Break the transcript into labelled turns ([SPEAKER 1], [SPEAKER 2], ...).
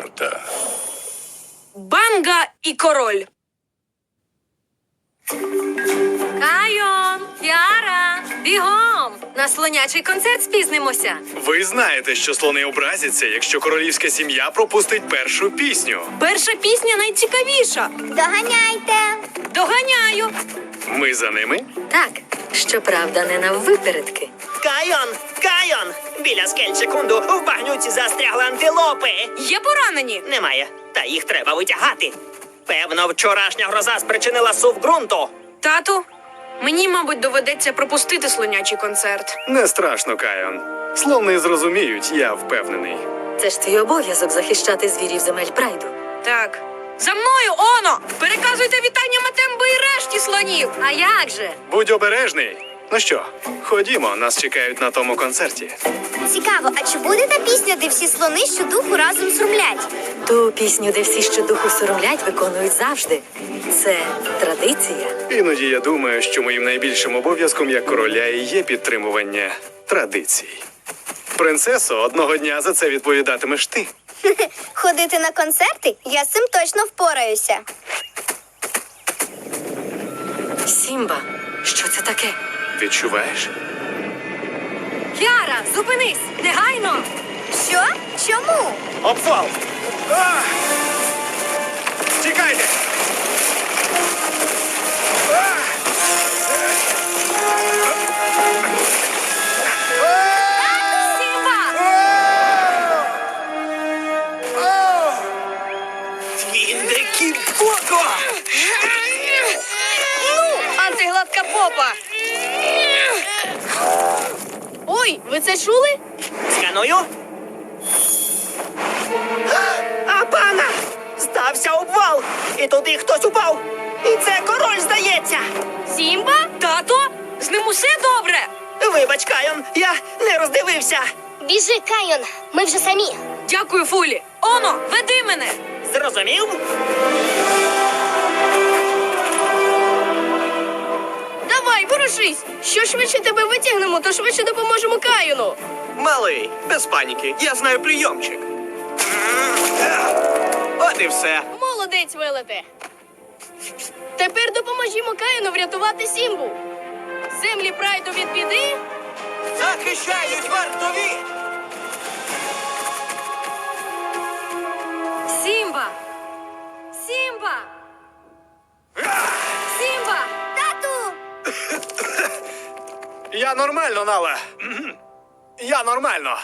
[SPEAKER 1] карта.
[SPEAKER 2] Банга і король.
[SPEAKER 3] Кайон, Кіара, бігом! На слонячий концерт спізнимося.
[SPEAKER 4] Ви знаєте, що слони образяться, якщо королівська сім'я пропустить першу пісню.
[SPEAKER 2] Перша пісня найцікавіша.
[SPEAKER 5] Доганяйте!
[SPEAKER 2] Доганяю.
[SPEAKER 4] Ми за ними?
[SPEAKER 3] Так, щоправда, не наввипередки.
[SPEAKER 6] Кайон! Кайон! Біля скель-секунду в багнюці застрягли антилопи.
[SPEAKER 2] Є поранені.
[SPEAKER 6] Немає. Та їх треба витягати. Певно, вчорашня гроза спричинила сув ґрунту.
[SPEAKER 2] Тату, мені, мабуть, доведеться пропустити слонячий концерт.
[SPEAKER 4] Не страшно, Кайон. Слони зрозуміють, я впевнений.
[SPEAKER 3] Це ж твій обов'язок захищати звірів земель прайду.
[SPEAKER 2] Так. За мною, Оно! Переказуйте вітання Матембо і решті слонів.
[SPEAKER 3] А як же?
[SPEAKER 4] Будь обережний. Ну що, ходімо, нас чекають на тому концерті.
[SPEAKER 5] Цікаво, а чи буде та пісня, де всі слони щодуху разом срумлять?
[SPEAKER 3] Ту пісню, де всі щодуху соромлять, виконують завжди. Це традиція.
[SPEAKER 4] Іноді я думаю, що моїм найбільшим обов'язком як короля і є підтримування традицій. Принцесо, одного дня за це відповідатимеш ти.
[SPEAKER 5] Ходити на концерти? Я з цим точно впораюся.
[SPEAKER 3] Сімба, що це таке?
[SPEAKER 4] Відчуваєш?
[SPEAKER 3] Кіара, зупинись! Негайно!
[SPEAKER 5] Що? Чому?
[SPEAKER 4] Обвал! Тікайте!
[SPEAKER 3] Сімба!
[SPEAKER 6] Твіндекі Боко!
[SPEAKER 2] Антигладка попа. Ой, ви це чули?
[SPEAKER 6] Сканую. А пана! Стався обвал! І туди хтось упав! І це король, здається!
[SPEAKER 2] Сімба? Тато? З ним усе добре?
[SPEAKER 6] Вибач, Кайон, я не роздивився!
[SPEAKER 5] Біжи, Кайон, ми вже самі.
[SPEAKER 2] Дякую, Фулі. Оно, веди мене.
[SPEAKER 6] Зрозумів?
[SPEAKER 2] Давай, ворушись. Що швидше тебе витягнемо, то швидше допоможемо Каюну.
[SPEAKER 6] Малий, без паніки, я знаю прийомчик. От і все.
[SPEAKER 2] Молодець, Велете. Тепер допоможімо Каюну врятувати Сімбу. Землі прайду від біди.
[SPEAKER 6] Захищають вартові!
[SPEAKER 3] Сімба! Сімба! Сімба!
[SPEAKER 5] Тату!
[SPEAKER 4] Я нормально, Нала. Я нормально.